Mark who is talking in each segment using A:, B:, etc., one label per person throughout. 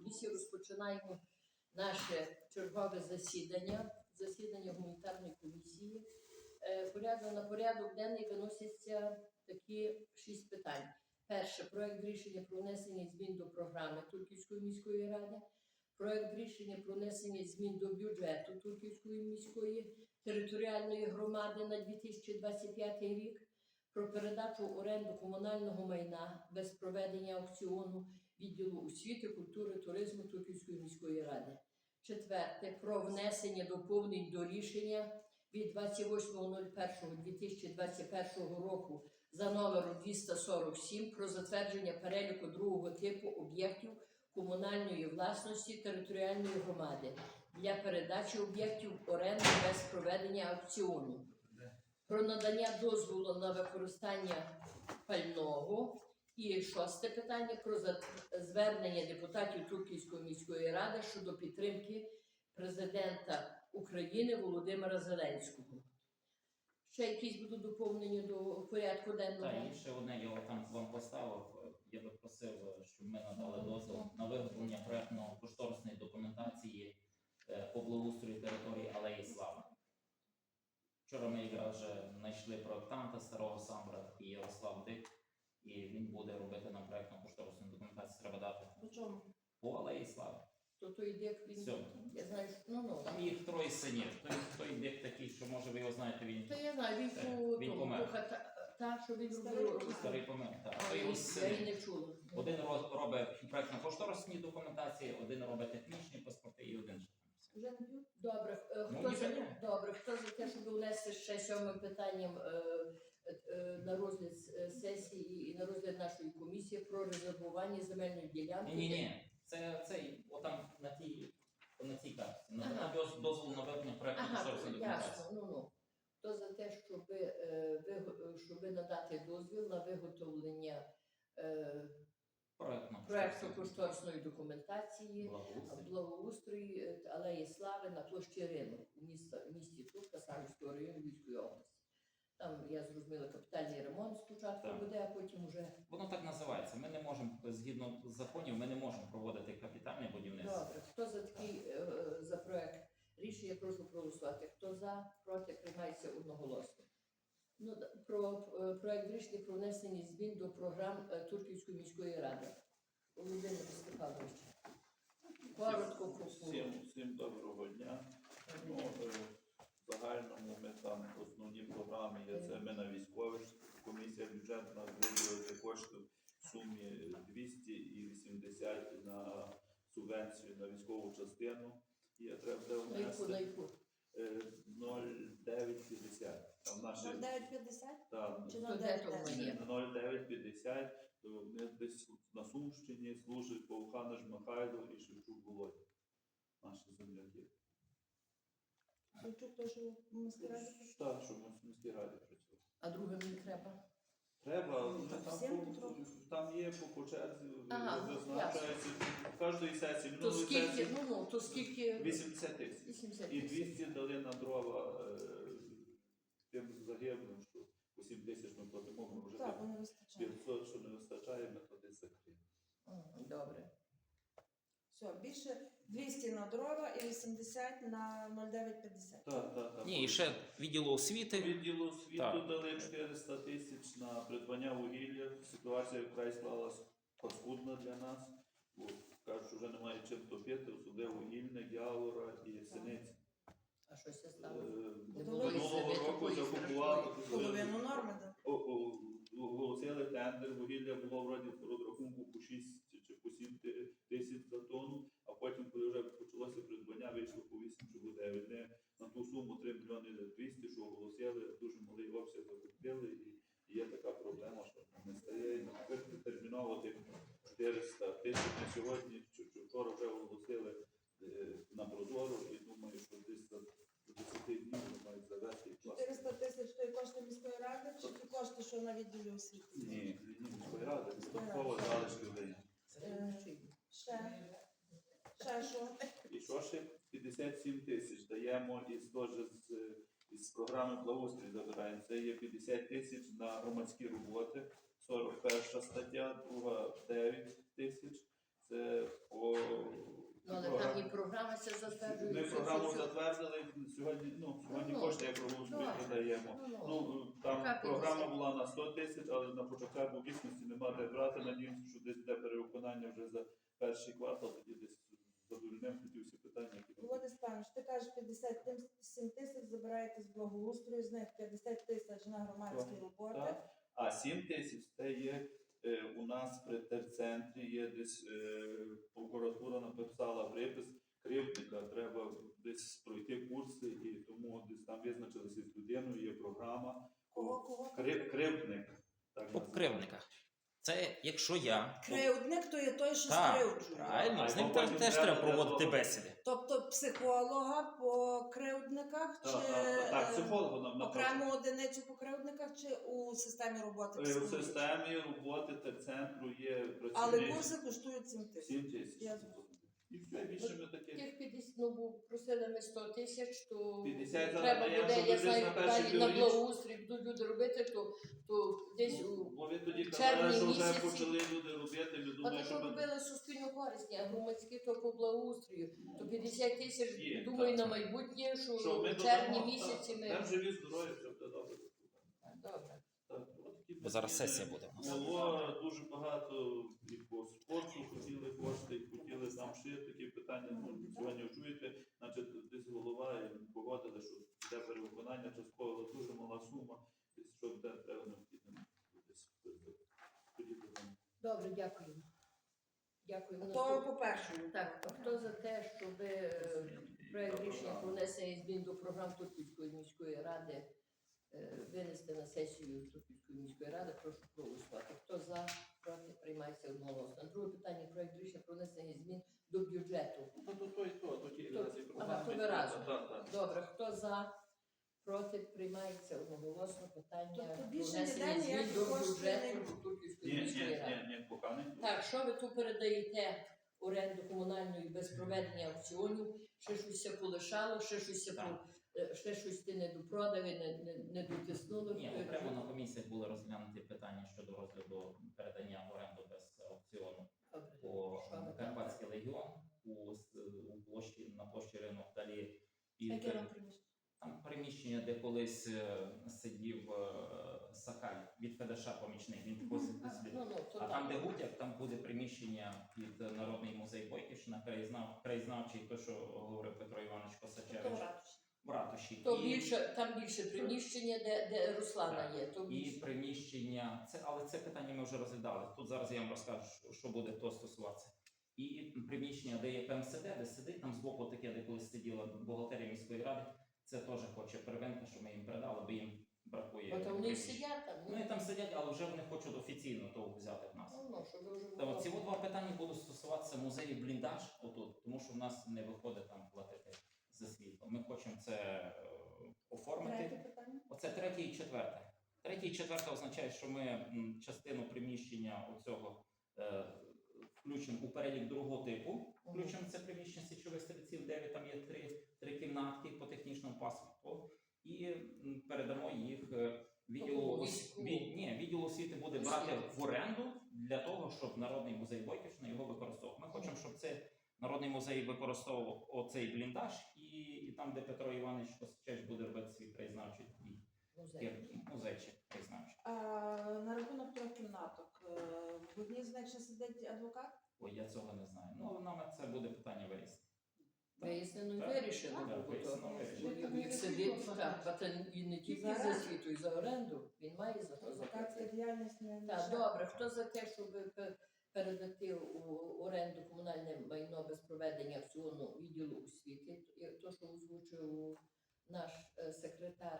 A: комісії. Розпочинаємо наше чергове засідання гуманітарної комісії. На порядок денний виносяться такі 6 питань. Перше. Проект рішення про внесення змін до програми Турківської міської ради. Проект рішення про внесення змін до бюджету Турківської міської територіальної громади на 2025 рік. Про передачу в оренду комунального майна без проведення аукціону відділу освіти, культури, туризму Турківської міської ради. Четверте. Про внесення доповнень до рішення від 28.01.2021 року за номером 247 про затвердження переліку другого типу об'єктів комунальної власності територіальної громади для передачі об'єктів в оренду без проведення аукціону. Про надання дозволу на використання пального. І 6 питання про звернення депутатів Турківської міської ради щодо підтримки президента України Володимира Зеленського. Ще якісь будуть доповнення до порядку денного?
B: Так, і ще одне, я там вам поставив. Я би просив, щоб ми надали дозвіл на виготовлення проєктно-кошторисної документації по благоустрою території Алеї Слави. Вчора ми якраз вже знайшли проєктанта старого Самбра, такий Ярослав Дик, і він буде робити нам проєктно-кошторисну документацію, треба дати.
A: По чому?
B: По Алеї Слави.
A: То той Дик, він... Я знаю, що...
B: Там їх 3 синів. Той Дик такий, що може ви його знаєте, він...
A: Та я знаю,
B: він помер.
A: Та, що він робив...
B: Старий помер, так.
A: Я її не чула.
B: Один робить проєктно-кошторисні документації, один робить технічні паспорти і один ще.
A: Вже не п'ю? Добре. Хто за те, щоб внести ще 7 питанням на розгляд сесії і на розгляд нашої комісії про резервування земельної ділянки?
B: Ні. Це цей, отам на цій карті. На дозвол на виведення проєктно-кошторисної документації.
A: Ясно. Хто за те, щоб надати дозвіл на виготовлення проєктно-кошторисної документації благоустрій Алеї Слави на площі Ринок у місті Турка Самбірського району Львівської області. Там, я зрозуміла, капітальний ремонт спочатку буде, а потім вже...
B: Воно так називається. Ми не можемо, згідно законів, ми не можемо проводити капітальне будівництво.
A: Добре. Хто за такий за проєкт рішення, прошу проголосувати. Хто за, проти, приймається одноголосно. Про проєкт рішення про внесення змін до програм Турківської міської ради. Володимир Степанович. Коротко.
C: Всім доброго дня. В загальному ми там основні програми є, це ми на військових, комісія бюджетна виділити кошти в сумі 280 на субвенцію на військову частину. І треба буде внести 0,950.
D: 0,950?
C: Так.
D: Чи 0,950?
C: 0,950. Вони десь на Сумщині служать Повханиш Михайло і Шевчук Володя. Наші земляки.
D: Шевчук теж в міській раді?
C: Так, щоб в міській раді працювати.
A: А другим не треба?
C: Треба, там є по черзі, визначається в кожній сесії.
A: То скільки?
C: 80 тисяч. І 200 дали на дрова тим загиблим, що по 7 тисяч ми платимо, ми вже 500, що не вистачає, ми туди закриємо.
A: Добре.
D: Все, більше 200 на дрова і 80 на 0,950.
C: Так.
B: Ні, і ще відділу освіти.
C: Відділу освіту дали 400 тисяч на придбання вугілля. Ситуація вкрай склалась паскудна для нас. Кажуть, що вже немає чим топити, особливо вугільник, Явора і Синиці.
A: А що це стало?
C: Минулого року закупували.
D: Половину норми, так?
C: Оголосили тендер, вугілля було вроді по розрахунку по 6 чи по 7 тисяч за тонну, а потім, коли вже почалося придбання, вийшло по 8 чи по 9. Ми на ту суму 3 мільйони 200, що оголосили, дуже малий обсяг закупили, і є така проблема, що не стає. Терміново тих 400 тисяч на сьогодні, чи вчора вже оголосили на Прозоро, і думаю, що десь за 10 днів вони мають завести.
D: 400 тисяч – то є кошти міської ради, чи ті кошти, що на відділі освіти?
C: Ні, міської ради, додатково залишки людей.
D: Ще що?
C: І що ще 57 тисяч даємо із програми благоустрій забираємо. Це є 50 тисяч на громадські роботи, 41 стаття, друга 9 тисяч. Це по
A: програма ся затверджує.
C: Ми програму затвердили, сьогодні
A: Ну,
C: кошти як проголосуємо,
A: добре.
C: даємо. Там
A: Яка
C: програма
A: 50?
C: була на 100 тисяч, але на початку дійсності нема де брати. Надіємося, що десь йде перевиконання вже за перший квартал, тоді десь задовольнимо тоді всі питання, які
D: Володимир Степанович, ти кажеш 57 тисяч забираєте з благоустрою, з них 50 тисяч на громадські роботи.
C: Так. А 7 тисяч це є у нас при терцентрі, є десь прокуратура написала припис кривдника, треба десь пройти курси, і тому десь там визначилися з людиною, є програма.
D: Кого?
C: Кривдник. Так
B: По
C: називається.
B: кривдниках. Це якщо я.
D: Кривдник то є той, що
B: Так,
D: скривджує.
B: правильно, з ним
C: потім
B: теж
C: треба
B: треба проводити
C: для
B: бесіди.
D: Тобто психолога по кривдниках чи
C: Так, психологу нам
D: окрему одиницю по кривдниках чи у системі роботи
C: У
D: психологічної?
C: системі роботи терцентру є
D: Але
C: працівник
D: курси коштують 7 тисяч.
C: 7 тисяч.
D: Я зрозуміла.
C: І все, більше ми таке.
A: Тих 50, ну, бо просили ми 100 тисяч, то
C: 50 зараз
A: треба
C: даємо,
A: буде,
C: щоб
A: я
C: десь
A: знаю,
C: на перший
A: далі на
C: півріч.
A: благоустрій будуть люди робити, то десь у...
C: Бо ви тоді
A: червні
C: казали, що вже
A: місяці.
C: почали люди робити, ми
A: А
C: думаємо,
A: то
C: що ми...
A: робили суспільно корисні, а громадські то по благоустрою. То 50 тисяч,
C: Є,
A: думаю,
C: так.
A: на майбутнє, що
C: Що ми
A: в червні
C: додамо,
A: місяці
C: так.
A: ми...
C: Там живі, здорові, все буде добре.
A: Добре.
C: Так, от такі
B: Бо зараз
C: питання.
B: сесія буде у нас.
C: Було дуже багато і по спорту хотіли кошти, і хотіли там ще такі питання. Ну, сьогодні чуєте, значить, десь голова і погодили, що йде перевиконання частково, дуже мала сума, десь що де треба необхідно. Тоді будемо.
A: Добре, дякую. Дякую.
D: То по-перше.
A: Так, а хто за те, щоб проект рішення про внесення змін до програм Турківської міської ради винести на сесію Турківської міської ради, прошу проголосувати. Хто за, проти, приймається одноголосно. Друге питання, проект рішення про внесення змін до бюджету.
C: То ті
A: То-
C: разі
A: ага, то ви
C: програми.
A: разом.
C: Так.
A: Добре, хто за, проти, приймається одноголосно питання
D: Тобто
A: про
D: більше
A: внесення
D: ніде
A: змін
D: ніяких
A: до
D: коштів
A: бюджету
D: не-
A: Турківської
C: Ні,
A: міської ради.
C: поки не.
A: Так, що ви тут передаєте оренду комунальної без проведення аукціонів? Ще щось ся полишало, ще щось ся
B: Так.
A: ще щось ти не допродали, не дотиснули.
B: Ні, окремо на комісіях були розглянуті питання щодо розгляду передання в оренду без аукціону
A: Добре.
B: по
A: Що ви там?
B: Карпатський легіон у площі на площі ринок далі. І
D: Яке вам приміщення?
B: там приміщення, де колись сидів Сакаль від Федаша помічник. Він просить собі.
A: Ну, то
B: А там, де Гутяк, там буде приміщення під Народний музей Бойківщина, краєзнавчий, то, що говорив Петро Іванович Косачевич, в ратуші.
A: То більше, там більше приміщення, де Руслана є. То
B: І
A: більше.
B: приміщення, але це питання ми вже розглядали. Тут зараз я вам розкажу, що буде то стосуватися. І приміщення, де є ПМСД, де сидить, там збоку таке, де колись сиділа бухгалтерія міської ради, це теж хоче первинка, що ми їм передали, бо їм бракує.
A: Бо там вони
B: приміщень.
A: сидять там.
B: Вони там сидять, але вже вони хочуть офіційно того взяти в нас.
A: Ну, щоб ви вже
B: Та
A: було.
B: ці два питання будуть стосуватися музею бліндаж отут, тому що в нас не виходить там платити за світло. Ми хочемо це оформити.
D: Третє питання.
B: Оце третє і четверте. Третє і четверте означає, що ми частину приміщення оцього включимо у перелік другого типу. Включимо це приміщення січових стрільців, 9, там є три кімнатки по технічному паспорту. І передамо їх відділу відділу освіти буде брати в оренду для того, щоб Народний музей Бойківщини його використовував. Ми хочемо, щоб це Народний музей використовував оцей бліндаж, і там, де Петро Іванович Косачевич буде робити свій краєзнавчий музейчик краєзнавчий.
D: А на рахунок трьох кімнаток. В одній з них ще сидить адвокат?
B: Ой, я цього не знаю. Ну, нам це буде питання вияснити.
A: Вияснено і
B: Так.
A: вирішено.
B: Так,
A: бо
B: вияснено,
A: то-
B: вирішено.
A: бо Він сидить, так, а це і не тільки за світу, і за оренду. Він має за то
D: Адвокатська
A: заплатити.
D: діяльність не
A: Так,
D: лише.
A: добре. Хто за те, щоб передати у оренду комунальне майно без проведення аукціону відділу освіти, то, що озвучив наш секретар.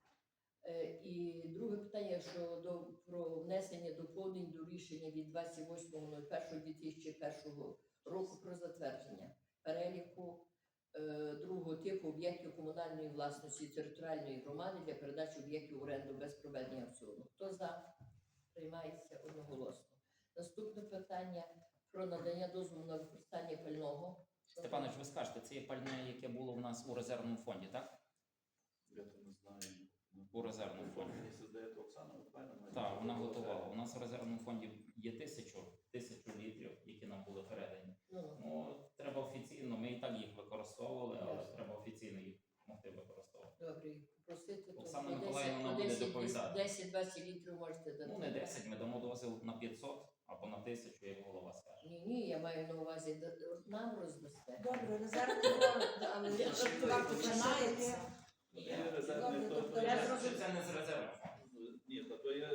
A: І друге питання щодо про внесення доповнень до рішення від 28.01.2001 року про затвердження переліку другого типу об'єктів комунальної власності територіальної громади для передачі об'єктів в оренду без проведення аукціону. Хто за? Приймається одноголосно. Наступне питання про надання дозволу на використання пального.
B: Степанович, ви скажете, це є пальне, яке було в нас у резервному фонді, так?
C: Я то не знаю.
B: У резервному фонді.
C: Якщо здається Оксана, Михайлівна, має
B: Так, вона
C: бути
B: готувала. У нас в резервному фонді є 1000 літрів, які нам були передані.
A: Ну,
B: Ну, треба офіційно, ми і так їх використовуємо. Оксана
A: По
B: Миколаївна нам
A: 10,
B: буде доповідати.
A: 10-20 літрів можете дати.
B: Ну, не 10, ми дамо дозвіл на 500 або на 1000, як голова скаже.
A: Ні, я маю на увазі, нам роздасте.
D: Добре, резервний фонд, але вам починається.
C: Є резервний
D: Добре,
C: фонд.
D: тобто
B: Я
D: я
B: скажу, що це не з резерву фонду.
C: Ні, то є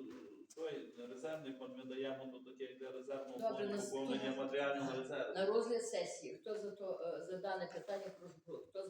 C: той резервний фонд, ми даємо до таке для резервного
A: Добре,
C: фонду поповнення матеріального резерву.
A: На розгляд сесії. Хто за дане питання, прошу, хто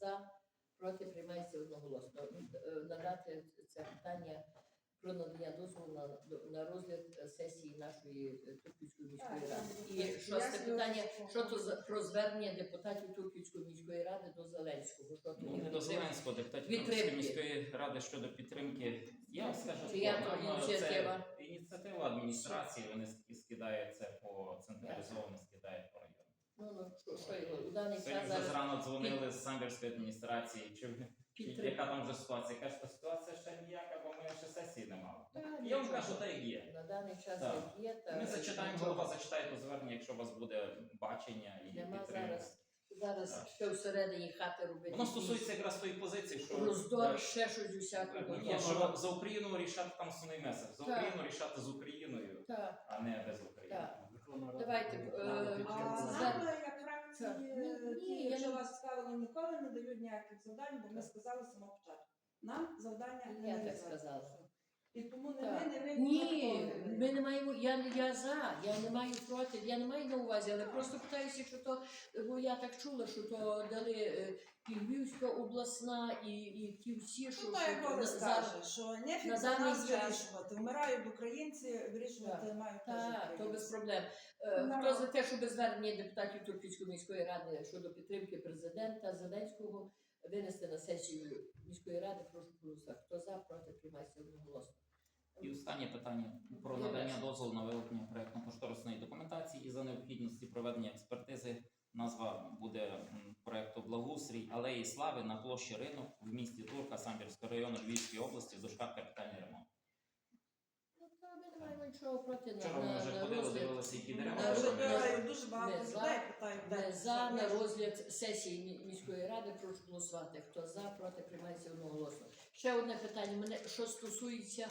A: проти, приймається одноголосно. Надати це питання про надання дозволу на розгляд сесії нашої Турківської міської
D: Так,
A: ради.
D: так,
A: І
D: так.
A: шосте
D: Я
A: питання,
D: слухаю.
A: що то про звернення депутатів Турківської міської ради до Зеленського. Що то
B: Ну,
A: є
B: не до
A: підтримка?
B: Зеленського, депутатів
A: Підтримки.
B: Турківської міської ради щодо підтримки. Я вам скажу,
A: Чия
B: що,
A: то
B: напевно,
A: ініціатива?
B: це ініціатива адміністрації, вони скидають це по централізовано, скидають по району.
A: Ну, що його у даний
B: Сьогодні
A: час
B: вже
A: зараз
B: зрано дзвонили з самбірської адміністрації, чи
A: підтримка.
B: яка там вже ситуація. Кажуть, що ситуація ще ніяка, бо ми ще сесії не мали.
A: Та,
B: Я вам
A: нічого.
B: кажу, так як є.
A: На даний час
B: Так.
A: як є, та
B: Ми зачитаємо,
A: нічого.
B: голова зачитає то звернення, якщо у вас буде бачення і
A: Нема
B: підтримка.
A: Зараз
B: Так.
A: ще всередині хати робити.
B: Воно стосується якраз тої позиції, що
A: роздор, ще щось усякого.
B: ні, що за Україну рішати там основний меседж. За
A: Так.
B: Україну рішати з Україною,
A: Так,
B: а не без України.
A: так. Давайте,
D: А нам, як фракції,
A: Так. Ну, ні, я
D: якщо
A: не-
D: вас цікавило, ніколи не дають ніяких завдань, бо ми сказали з самого початку. Нам завдання не
A: Я так
D: нав'язали.
A: сказала.
D: І тому не
A: Так.
D: ви, не ви,
A: Ні,
D: ніхто не
A: ми не маємо, я за, я не маю проти, я не маю на увазі, але просто питаюся, що то, бо я так чула, що то дали і Львівська обласна, і ті всі, що,
D: Ну, як Коля
A: зараз.
D: скаже, що нефіг
A: на
D: за
A: даний
D: нас
A: час.
D: вирішувати. Вмирають українці, вирішувати мають теж
A: Так, то без
D: українці.
A: проблем. Хто за те, щоб звернення депутатів Турківської міської ради щодо підтримки президента Зеленського винести на сесію міської ради, прошу голосувати. Хто за, проти, приймається одноголосно.
B: І останнє питання про надання дозволу на виготовлення проєктно-кошторисної документації і за необхідності проведення експертизи. Назва буде проєкту «Благоустрій алеї Слави на площі Ринок в місті Турка Самбірського району Львівської області в дужках капітальний ремонт».
A: Ну, то ми не маємо нічого проти
B: Вчора ми вже ходили,
A: розгляд.
B: дивилися, які дерева.
A: на
D: Дуже
A: розгляд.
D: багато- Дуже багато
A: Ми за.
D: людей питають.
A: Ми
D: де
A: за на
D: це.
A: розгляд сесії міської ради, прошу голосувати. Хто за, проти, приймається одноголосно. Ще одне питання. Мене що стосується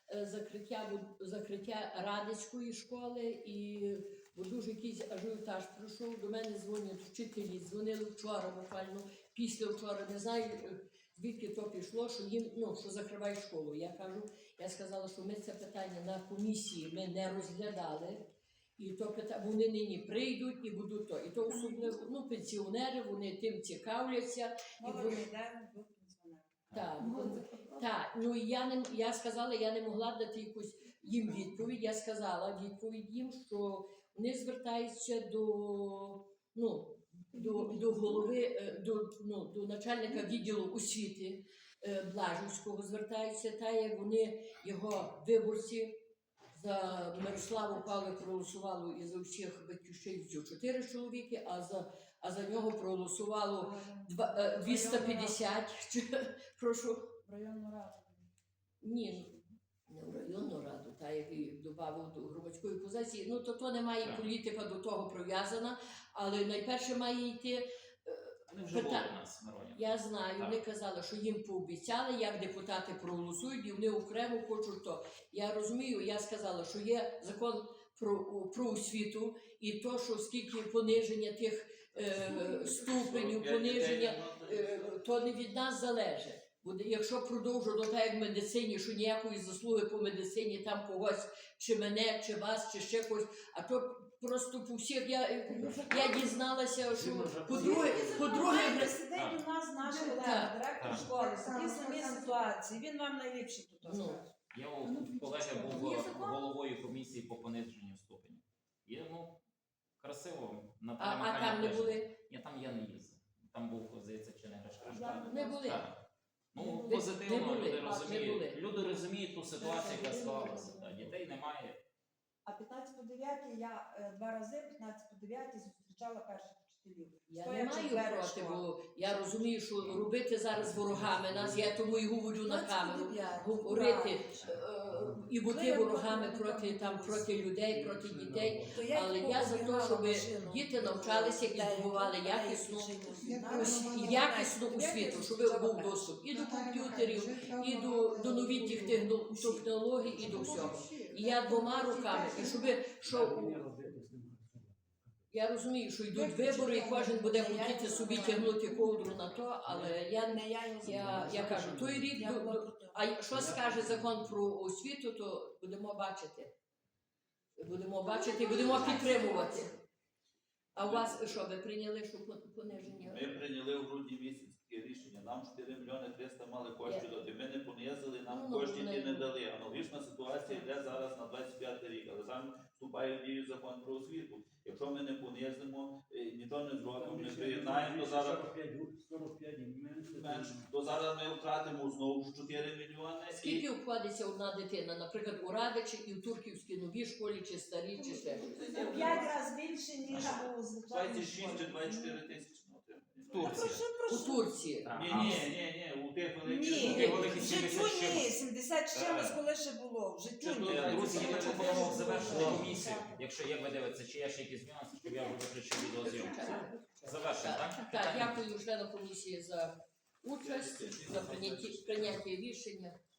A: закриття Радицької школи, і бо дуже якийсь ажіотаж пройшов. До мене дзвонять вчителі, дзвонили вчора, буквально після вчора. Не знаю, звідки то пішло, що їм що закривають школу. Я сказала, що ми це питання на комісії ми не розглядали. І то вони нині прийдуть і будуть то. І то особливо пенсіонери, вони тим цікавляться.
D: Мова
A: вони-
D: йде до пенсіонерів.
A: Так, ну і я сказала, я не могла дати якусь їм відповідь. Я сказала відповідь їм, що вони звертаються до голови, до начальника відділу освіти Блажівського звертаються, та як вони його виборці. За Мирославу Павлик проголосувало і за всіх батьківщинців 4 чоловіки, а за нього проголосувало 250. Прошу.
D: В районну раду.
A: Ні, не в районну раду, та як і додав до громадської позиції. Ну, то не має політика до того прив'язана, але найперше має йти.
B: Вони вже були у нас, Мироня.
A: Я знаю,
B: Так.
A: вони казали, що їм пообіцяли, як депутати проголосують, і вони окремо хочуть то. Я розумію, я сказала, що є закон про освіту, і то, що скільки пониження тих ступенів, пониження, то не від нас залежить. Буде, якщо продовжувати так, як в медицині, що ніякої заслуги по медицині там когось, чи мене, чи вас, чи ще когось, а то просто по всіх я дізналася, що по-друге,
D: Сидить у нас наш
A: Так.
D: колега, директор
B: Так.
D: школи, в такій самій ситуації. Він вам найліпше тут
A: Ну.
D: скаже.
B: Я у колеги був
D: Є закон?
B: головою комісії по пониженню ступеню. Є, красиво.
A: а там не були.
B: Ні, там я не їздив. Там був, здається, чи не Гришка.
A: Не були.
B: Так. Ну,
A: Не
B: позитивно
A: були,
B: люди
A: не
B: розуміють.
A: були.
B: Люди розуміють ту ситуацію, яка
D: Не
B: склалася.
D: були.
B: Так, дітей немає.
D: А 15 по 9 я 2 рази, 15 по 9 зустрічала перших вчителів.
A: Я
D: Стоячи
A: не маю
D: двері
A: проти,
D: школи.
A: бо я розумію, що робити зараз ворогами нас, я тому і говорю на камеру,
D: 29,
A: говорити і бути
D: Коли я
A: ворогами
D: була
A: проти людей, проти дітей.
D: То я
A: Але
D: їх
A: я за те,
D: обігнала
A: щоб
D: машину.
A: діти навчалися і
D: Деякі-
A: здобували
D: деякі
A: якісну
D: вчителі.
A: якісну освіту, щоб був доступ і до комп'ютерів, і до новітніх технологій, і до всього. І я двома руками, і щоб я розумію, що йдуть вибори, і кожен буде хотіти собі тягнути ковдру на то, але я кажу, той рік, а що скаже закон про освіту, то будемо бачити. Будемо бачити і будемо підтримувати. А у вас що, ви прийняли, що пониження?
C: Ми прийняли в грудні місяці таке рішення. Нам 4 мільйони 300 мали коштів дати. Ми не понизили, нам
A: Ну,
C: коштів
A: ну,
C: ті не дали. Аналогічна ситуація йде зараз на 25 рік, але сам вступає в дію закон про освіту. Якщо ми не понизимо, нічого не зробимо, не приєднаємо, то зараз менше, то зараз ми втратимо знову 4 мільйони.
A: Скільки обходиться одна дитина, наприклад, у Радичі і в Турківській новій школі, чи старій, чи ще щось?
D: 5 разів більше, ніж у звичайній
C: 26 чи
D: школі.
C: 24 тисячі на отримання.
A: У Турції.
C: Ні, у тих великих.
D: Ні,
B: Такі великі
D: в
B: 70
D: життю ні,
B: чимось.
D: 70 з чимось, коли ще було. В життю ні.
B: Друзі, я
C: Це
B: пропонував завершити комісію. Якщо як ви дивитеся, чи є ще якісь нюанси, щоб я вже виключив відеозйомку. Завершимо, так?
A: Так, дякую членам комісії за участь, за прийняття рішення.